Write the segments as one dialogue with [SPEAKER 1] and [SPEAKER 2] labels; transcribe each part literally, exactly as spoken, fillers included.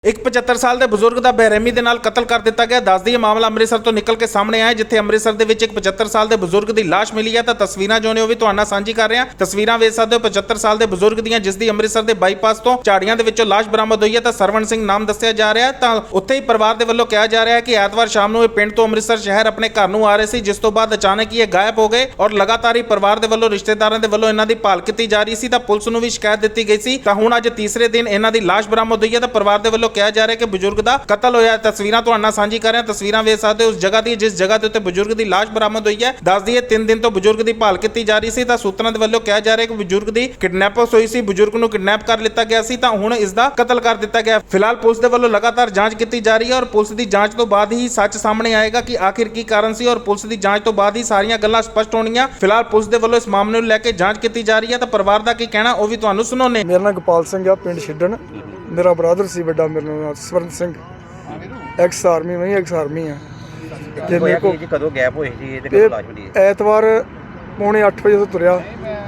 [SPEAKER 1] ਇੱਕ ਪਝੱਤਰ ਸਾਲ ਦੇ ਬਜ਼ੁਰਗ ਦਾ ਬੇਰਹਿਮੀ ਦੇ ਨਾਲ ਕਤਲ ਕਰ ਦਿੱਤਾ ਗਿਆ। ਦੱਸਦੀ ਇਹ ਮਾਮਲਾ ਅੰਮ੍ਰਿਤਸਰ ਤੋਂ ਨਿਕਲ ਕੇ ਸਾਹਮਣੇ ਆਇਆ, ਜਿੱਥੇ ਅੰਮ੍ਰਿਤਸਰ ਦੇ ਵਿੱਚ ਇੱਕ ਪਝੱਤਰ ਸਾਲ ਦੇ ਬਜ਼ੁਰਗ ਦੀ ਲਾਸ਼ ਮਿਲੀ ਹੈ। ਤਾਂ ਤਸਵੀਰਾਂ ਜੋ ਨੇ ਉਹ ਵੀ ਤੁਹਾਡੇ ਨਾਲ ਸਾਂਝੀ ਕਰ ਰਹੇ ਹਾਂ। ਤਸਵੀਰਾਂ ਵੇਖ ਸਕਦੇ ਹੋ ਪਝੱਤਰ ਸਾਲ ਦੇ ਬਜ਼ੁਰਗ ਦੀਆਂ, ਜਿਸ ਦੀ ਅੰਮ੍ਰਿਤਸਰ ਦੇ ਬਾਈਪਾਸ ਤੋਂ ਝਾੜੀਆਂ ਦੇ ਵਿੱਚੋਂ ਲਾਸ਼ ਬਰਾਮਦ ਹੋਈ ਹੈ। ਤਾਂ ਸਰਵਣ ਸਿੰਘ ਨਾਮ ਦੱਸਿਆ ਜਾ ਰਿਹਾ ਹੈ। ਤਾਂ ਉੱਥੇ ਹੀ ਪਰਿਵਾਰ ਦੇ ਵੱਲੋਂ ਕਿਹਾ ਜਾ ਰਿਹਾ ਹੈ ਕਿ ਐਤਵਾਰ ਸ਼ਾਮ ਨੂੰ ਇਹ ਪਿੰਡ ਤੋਂ ਅੰਮ੍ਰਿਤਸਰ ਸ਼ਹਿਰ ਆਪਣੇ ਘਰ ਨੂੰ ਆ ਰਹੇ ਸੀ, ਜਿਸ ਤੋਂ ਬਾਅਦ ਅਚਾਨਕ ਹੀ ਇਹ ਗਾਇਬ ਹੋ ਗਏ ਔਰ ਲਗਾਤਾਰ ਹੀ ਪਰਿਵਾਰ ਦੇ ਵੱਲੋਂ ਰਿਸ਼ਤੇਦਾਰਾਂ ਦੇ ਵੱਲੋਂ ਇਹਨਾਂ ਦੀ ਭਾਲ ਕੀਤੀ ਜਾ ਰਹੀ ਸੀ। ਤਾਂ ਪੁਲਿਸ ਨੂੰ ਵੀ ਸ਼ਿਕਾਇਤ ਦਿੱਤੀ ਗਈ ਸੀ। ਤਾਂ ਹੁਣ ਅੱਜ ਤੀਸਰੇ ਦਿਨ ਇਹਨਾਂ ਦੀ ਲਾਸ਼ ਬਰਾਮਦ ਹੋਈ ਹੈ। ਤਾਂ ਪਰਿਵਾਰ ਦੇ ਵੱਲੋਂ ਕਿਹਾ ਜਾ ਰਿਹਾ ਕਿ ਬਜ਼ੁਰਗ ਦਾ ਕਤਲ ਹੋਇਆ। ਤਸਵੀਰਾਂ ਤੁਹਾਡੇ ਨਾਲ ਸਾਂਝੀ ਕਰ ਰਹੇ ਹਾਂ। ਤਸਵੀਰਾਂ ਵੇਖ ਸਕਦੇ ਹੋ ਉਸ ਜਗ੍ਹਾ ਦੀ, ਜਿਸ ਜਗ੍ਹਾ ਦੇ ਉੱਤੇ ਬਜ਼ੁਰਗ ਦੀ ਲਾਸ਼ ਬਰਾਮਦ ਹੋਈ ਹੈ। ਦੱਸ ਦਈਏ ਤਿੰਨ ਦਿਨ ਤੋਂ ਬਜ਼ੁਰਗ ਦੀ ਭਾਲ ਕੀਤੀ ਜਾ ਰਹੀ ਸੀ। ਤਾਂ ਸੂਤਰਾਂ ਦੇ ਵੱਲੋਂ ਕਿਹਾ ਜਾ ਰਿਹਾ ਕਿ ਬਜ਼ੁਰਗ ਦੀ ਕਿਡਨੈਪਸ ਹੋਈ ਸੀ, ਬਜ਼ੁਰਗ ਨੂੰ ਕਿਡਨੈਪ ਕਰ ਲਿੱਤਾ ਗਿਆ ਸੀ। ਤਾਂ ਹੁਣ ਇਸ ਦਾ ਕਤਲ ਕਰ ਦਿੱਤਾ ਗਿਆ। ਫਿਲਹਾਲ ਪੁਲਿਸ ਦੇ ਵੱਲੋਂ ਲਗਾਤਾਰ ਜਾਂਚ ਕੀਤੀ ਜਾ ਰਹੀ ਹੈ ਔਰ ਪੁਲਿਸ ਦੀ ਜਾਂਚ ਤੋਂ ਬਾਅਦ ਹੀ ਸੱਚ ਸਾਹਮਣੇ ਆਏਗਾ ਕਿ ਆਖਿਰ ਕੀ ਕਾਰਨ ਸੀ ਔਰ ਪੁਲਿਸ ਦੀ ਜਾਂਚ ਤੋਂ ਬਾਅਦ ਹੀ ਸਾਰੀਆਂ ਗੱਲਾਂ ਸਪਸ਼ਟ ਹੋਣਗੀਆਂ। ਫਿਲਹਾਲ ਪੁਲਿਸ ਦੇ ਵੱਲੋਂ ਇਸ ਮਾਮਲੇ ਨੂੰ ਲੈ ਕੇ ਜਾਂਚ ਕੀਤੀ ਜਾ ਰਹੀ ਹੈ। ਤਾਂ ਪਰਿਵਾਰ ਦਾ ਕੀ ਕਹਿਣਾ ਉਹ ਵੀ ਤੁਹਾਨੂੰ ਸੁਣਾਉਂਦੇ।
[SPEAKER 2] ਮੇਰਾ ਨਾਮ ਗੋਪਾਲ ਸਿੰਘ ਆ, ਪਿੰਡ ਛਿੱਡਣ। ਮੇਰਾ ਬ੍ਰਦਰ ਸੀ ਵੱਡਾ, ਮੇਰਾ ਨਾਮ ਸਵਰਨ ਸਿੰਘ, ਐਕਸ ਆਰਮੀ। ਮੈਂ ਐਕਸ ਆਰਮੀ ਆ।
[SPEAKER 3] ਤੇ ਮੇਰੇ ਕੋਲ ਕਦੋਂ ਗੈਪ ਹੋਈ ਸੀ ਇਹਦੇ ਕੋਲ ਲਾਸ਼ ਮਿਲੀ ਹੈ?
[SPEAKER 2] ਐਤਵਾਰ ਪੌਣੇ ਅੱਠ ਵਜੇ ਤੋਂ ਤੁਰਿਆ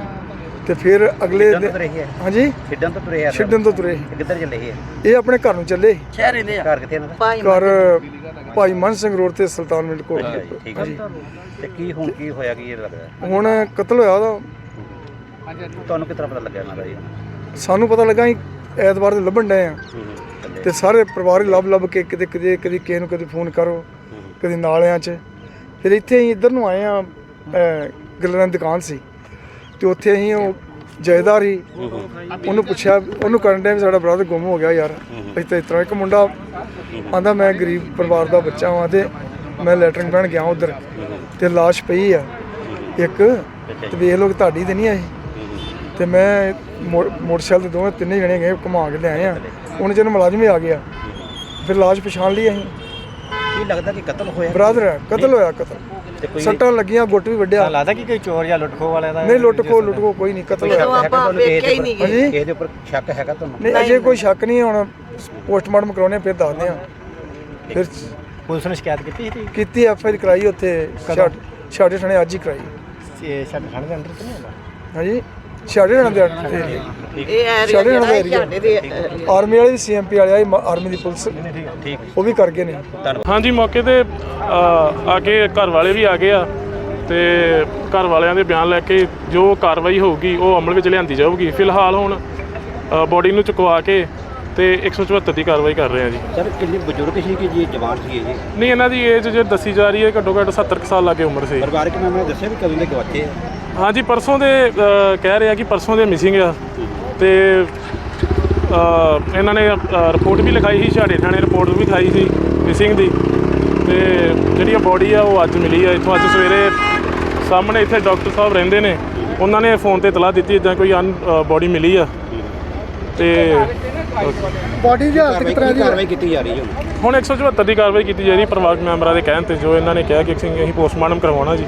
[SPEAKER 2] ਤੇ ਫਿਰ ਅਗਲੇ ਹਾਂਜੀ
[SPEAKER 3] ਛਿੱਡਣ ਤੋਂ ਤੁਰੇ ਆ।
[SPEAKER 2] ਛਿੱਡਣ ਤੋਂ ਤੁਰੇ।
[SPEAKER 3] ਕਿੱਧਰ ਚੱਲੇ ਇਹ?
[SPEAKER 2] ਇਹ ਆਪਣੇ ਘਰ ਨੂੰ ਚੱਲੇ।
[SPEAKER 3] ਸ਼ਹਿਰ ਰਹਿੰਦੇ ਆ? ਘਰ ਕਿੱਥੇ ਇਹਨਾਂ ਦਾ?
[SPEAKER 2] ਘਰ ਭਾਈ ਮਨ ਸਿੰਘ ਰੋਡ ਤੇ ਸੁਲਤਾਨ ਮਿੰਟ ਕੋਲ।
[SPEAKER 3] ਠੀਕ ਹੈ। ਤੇ ਕੀ ਹੁਣ ਕੀ ਹੋਇਆ, ਕੀ ਇਹ ਲੱਗਦਾ
[SPEAKER 2] ਹੁਣ ਕਤਲ ਹੋਇਆ ਉਹਦਾ।
[SPEAKER 3] ਤੁਹਾਨੂੰ ਕਿਸ ਤਰ੍ਹਾਂ ਪਤਾ ਲੱਗਿਆ ਇਹਨਾਂ ਦਾ ਜੀ?
[SPEAKER 2] ਸਾਨੂੰ ਪਤਾ ਲੱਗਾ ਅਸੀਂ ਐਤਵਾਰ ਦੇ ਲੱਭਣ ਡਏ ਆ ਤੇ ਸਾਰੇ ਪਰਿਵਾਰ ਹੀ ਲੱਭ ਲੱਭ ਕੇ ਕਿਤੇ ਕਿਤੇ ਕਦੀ ਕਿਸੇ ਨੂੰ ਕਦੇ ਫੋਨ ਕਰੋ, ਕਦੇ ਨਾਲਿਆਂ 'ਚ। ਫਿਰ ਇੱਥੇ ਅਸੀਂ ਇੱਧਰ ਨੂੰ ਆਏ ਆ, ਗੱਲਾਂ ਦੀ ਦੁਕਾਨ ਸੀ ਤੇ ਉੱਥੇ ਅਸੀਂ ਉਹ ਜਾਇਦਾਰ ਹੀ ਉਹਨੂੰ ਪੁੱਛਿਆ, ਉਹਨੂੰ ਕਰਨ ਡਿਆ ਵੀ ਸਾਡਾ ਬ੍ਰਦਰ ਗੁੰਮ ਹੋ ਗਿਆ ਯਾਰ। ਅਸੀਂ ਤਾਂ ਇਸ ਤਰ੍ਹਾਂ। ਇੱਕ ਮੁੰਡਾ ਆਂਦਾ ਮੈਂ ਗਰੀਬ ਪਰਿਵਾਰ ਦਾ ਬੱਚਾ ਵਾਂ ਤੇ ਮੈਂ ਲੈਟਰਿੰਗ ਪੈਣ ਗਿਆ ਉੱਧਰ ਤੇ ਲਾਸ਼ ਪਈ ਆ ਇੱਕ, ਤੇ ਵੇਖ ਲਓ ਤੁਹਾਡੀ ਤੇ ਨਹੀਂ ਆਈ। ਤੇ ਮੈਂ ਮੋਟਰਸਾਈਕਲ ਤੇ ਦੋਵੇਂ ਤਿੰਨੇ ਜਣੇ ਗਏ, ਘੁਮਾ ਕੇ ਲਿਆਏ ਆ। ਉਹਨੇ ਜਦੋਂ ਮੁਲਾਜ਼ਮ ਹੀ ਆ ਗਿਆ ਫਿਰ ਲਾਸ਼ ਪਛਾਣ ਲਈ ਅਸੀਂ।
[SPEAKER 3] ਕੀ ਲੱਗਦਾ ਕਿ ਕਤਲ ਹੋਇਆ?
[SPEAKER 2] ਬ੍ਰਦਰ ਹੈ, ਕਤਲ ਹੋਇਆ। ਕਤਲ ਸੱਟਾਂ ਲੱਗੀਆਂ, ਗੁੱਟ ਵੀ ਵੱਢਿਆ।
[SPEAKER 4] ਲੱਗਦਾ ਕਿ ਕੋਈ ਚੋਰ ਜਾਂ ਲੁੱਟਖੋ ਵਾਲਿਆਂ ਦਾ?
[SPEAKER 2] ਨਹੀਂ, ਲੁੱਟਖੋ ਲੁੱਟਖੋ ਕੋਈ ਨਹੀਂ, ਕਤਲ ਹੋਇਆ।
[SPEAKER 3] ਹਾਂਜੀ, ਇਹਦੇ ਉੱਪਰ ਸ਼ੱਕ ਹੈਗਾ ਤੁਹਾਨੂੰ?
[SPEAKER 2] ਨਹੀਂ, ਅਜੇ ਕੋਈ ਸ਼ੱਕ ਨਹੀਂ। ਹੁਣ ਪੋਸਟਮਾਰਟਮ ਕਰਾਉਣੇ ਫਿਰ ਦੱਸਦੇ ਆ। ਫਿਰ
[SPEAKER 4] ਪੁਲਿਸ ਨੇ ਸ਼ਿਕਾਇਤ ਕੀਤੀ ਸੀ?
[SPEAKER 2] ਕੀਤੀ, ਐਫ ਆਈ ਆਰ ਕਰਾਈ ਉੱਥੇ ਛਾੜੇ ਥਾਣੇ ਅੱਜ ਹੀ ਕਰਾਈ।
[SPEAKER 4] ਇਹ ਛਾੜੇ ਥਾਣੇ ਦੇ ਅੰਦਰ ਤਾਂ ਨਹੀਂ ਹੁੰਦਾ?
[SPEAKER 2] ਹਾਂਜੀ, ਛਾੜੇ ਥਾਣੇ ਦੇ ਆਰਮੀ ਵਾਲੇ, ਸੀ ਐਮ ਪੀ ਵਾਲੇ ਆਏ, ਆਰਮੀ ਦੀ ਪੁਲਿਸ ਉਹ ਵੀ ਕਰ ਗਏ ਨੇ।
[SPEAKER 5] ਹਾਂਜੀ, ਮੌਕੇ ਤੇ ਆ ਕੇ ਘਰ ਵਾਲੇ ਵੀ ਆ ਗਏ ਆ ਤੇ ਘਰ ਵਾਲਿਆਂ ਦੇ ਬਿਆਨ ਲੈ ਕੇ ਜੋ ਕਾਰਵਾਈ ਹੋਊਗੀ ਉਹ ਅਮਲ ਵਿੱਚ ਲਿਆਂਦੀ ਜਾਊਗੀ। ਫਿਲਹਾਲ ਹੁਣ ਬੋਡੀ ਨੂੰ ਚੁਕਵਾ ਕੇ ਤੇ ਇੱਕ ਸੌ ਚੁਹੱਤਰ ਦੀ ਕਾਰਵਾਈ ਕਰ ਰਹੇ ਆ ਜੀ।
[SPEAKER 3] ਸਰ ਕਿੰਨੇ ਬਜ਼ੁਰਗ ਸੀ ਕਿ ਜੀ ਜਵਾਨ ਸੀ ਇਹ ਜੀ?
[SPEAKER 5] ਨਹੀਂ, ਇਹਨਾਂ ਦੀ ਏਜ ਜੇ ਦੱਸੀ ਜਾ ਰਹੀ ਹੈ ਘੱਟੋ ਘੱਟ ਸੱਤਰ ਕੁ ਸਾਲ ਲਾਗੇ ਉਮਰ ਸੀ।
[SPEAKER 3] ਪਰਿਵਾਰਕ ਮੈਂਬਰਾਂ ਨੇ ਦੱਸਿਆ ਵੀ ਕਦੋਂ ਦੇ ਗਵਾਚੇ ਆ?
[SPEAKER 5] ਹਾਂਜੀ, ਪਰਸੋਂ ਦੇ ਕਹਿ ਰਹੇ ਆ ਕਿ ਪਰਸੋਂ ਦੇ ਮਿਸਿੰਗ ਆ ਤੇ ਇਹਨਾਂ ਨੇ ਰਿਪੋਰਟ ਵੀ ਲਿਖਾਈ ਸੀ, ਝਾੜੇ ਥਾਣੇ ਰਿਪੋਰਟ ਵੀ ਲਿਖਾਈ ਸੀ ਮਿਸਿੰਗ ਦੀ। ਤੇ ਜਿਹੜੀ ਬੋਡੀ ਆ ਉਹ ਅੱਜ ਮਿਲੀ ਆ ਇੱਥੋਂ। ਅੱਜ ਸਵੇਰੇ ਸਾਹਮਣੇ ਇੱਥੇ ਡਾਕਟਰ ਸਾਹਿਬ ਰਹਿੰਦੇ ਨੇ, ਉਹਨਾਂ ਨੇ ਫੋਨ ਤੇ ਇਤਲਾਹ ਦਿੱਤੀ ਇੱਦਾਂ ਕੋਈ ਅਨ ਬੋਡੀ ਮਿਲੀ ਆ। ਤੇ
[SPEAKER 2] ਬੋਡੀ ਦੀ ਹਾਲਤ ਕਿਸ ਤਰ੍ਹਾਂ ਦੀ
[SPEAKER 3] ਕਾਰਵਾਈ ਕੀਤੀ ਜਾ ਰਹੀ ਹੈ?
[SPEAKER 5] ਹੁਣ ਇੱਕ ਸੌ ਚੁਹੱਤਰ ਦੀ ਕਾਰਵਾਈ ਕੀਤੀ ਜਾ ਰਹੀ ਪਰਿਵਾਰਕ ਮੈਂਬਰਾਂ ਦੇ ਕਹਿਣ ਤੇ, ਜੋ ਇਹਨਾਂ ਨੇ ਕਿਹਾ ਕਿ ਅਸੀਂ ਪੋਸਟਮਾਰਟਮ ਕਰਵਾਉਣਾ ਜੀ।